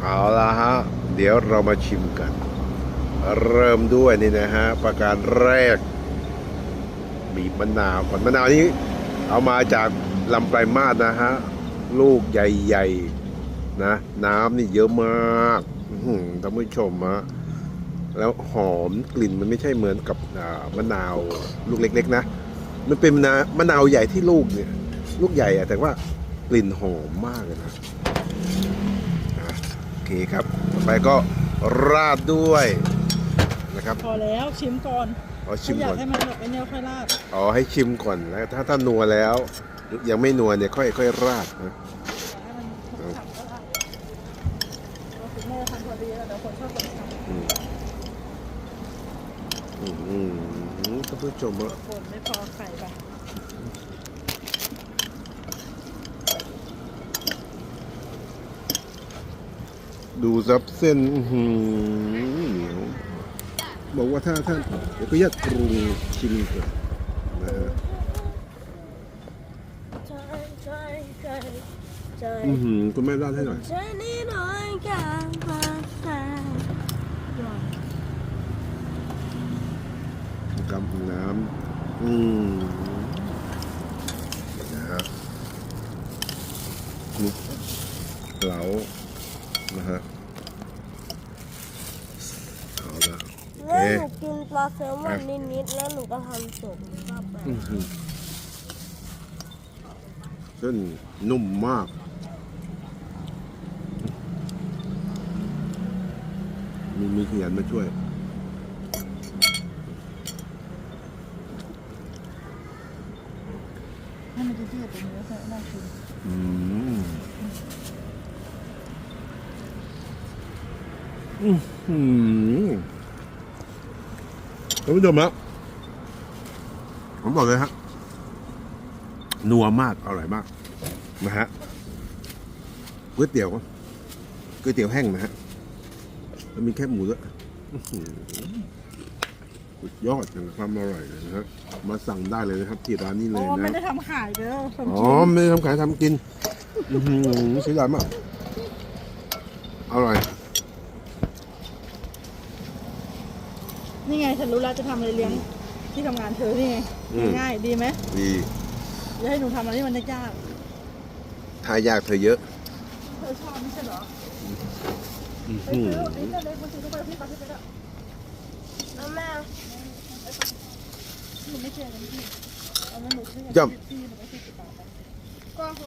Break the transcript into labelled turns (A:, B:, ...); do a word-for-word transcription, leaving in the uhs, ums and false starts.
A: เอาละฮะเดี๋ยวเรามาชิมกัน เริ่มด้วยนี่นะฮะประการแรกบีบมะนาวก่อนมะนาวนี้เอามาจากลำปลายมาสนะฮะลูกใหญ่ๆนะน้ำนี่เยอะมากท่านผู้ชมฮะแล้วหอมกลิ่นมันไม่ใช่เหมือนกับมะนาวลูกเล็กๆนะมันเป็นมะนาวมะนาวใหญ่ที่ลูกเนี่ยลูกใหญ่อะแต่ว่ากลิ่นหอมมากเลยนะโอเคครับต่อไปก็ราดด้วยนะครับ
B: พอแล้วชิมก่อน
A: อ๋อชิมก่อน
B: อยากให้มันแบบไอ้เนี่ยค่อยราด
A: อ๋อให้ชิมก่อนแล้วถ้าถ้านัวแล้วยังไม่นัวเนี่ยค่อยค่อยราดนะ
B: ให้มันฉ่ำก็ราดเราคุณแม่ทำพอดีแล้วเดี๋ยวคนชอบคนฉ่ำ
A: อืมอืมท่านผู้ชมอ่ะ
B: คนไม่พอไข่ไป
A: ดูซับเส้นเหนียวบอกว่าถ้าถ้าเดี๋ยวก็ยัดปรุงชิมก่อนนะฮะอือหือคุณแม่ราดให้หน่อยกำน้ำอืมนะฮะคลุกเคล้านะฮะเอาละโอเค
C: แล้วหนูกินปลาแซลมอนนิดๆแล้วหนูก็ทำสุกเข้าไป
A: เส้นนุ่มมากมีมีขยันมาช่วย
B: ให้มันจะเทียบตรงนี้แล้วน่าชิม
A: อืมอืมอืมท่านผู้ชมครับผมบอกเลยฮะนัวมากอร่อยมากนะฮะก๋วยเตี๋ยวก๋วยเตี๋ยวแห้งนะฮะแล้วมีแค่หมูด้วยสุดยอดของความอร่อยเลยนะฮะมาสั่งได้เลยนะครับที่ร้านนี้เลยนะ
B: ไม่ได้ทำขายเด้อ
A: อ๋อไม่ได้ทำขายทำกินอือเสียดายมากอร่อย
B: นี่ไงฉันรู้แล้วจะทำอะไรเลี้ยงที่ทำงานเธอนี่ไงง่ายดีไหม
A: ดี
B: จะให้หนูทำอะไรที่มันยาก
A: ทายากเธอเยอะ
B: เธอชอบไม่ใช่เหรอไป
A: อื
B: ซื้อ
A: อ
B: นี่ก็เลยมาซื้อไปพี่ไปพี่ไปแล้ว
C: แล้วแม่
B: หนูไม่เชื่อเลยพี่เอาแล้วหนูเชื่อพี่หนูไม่เชื่อ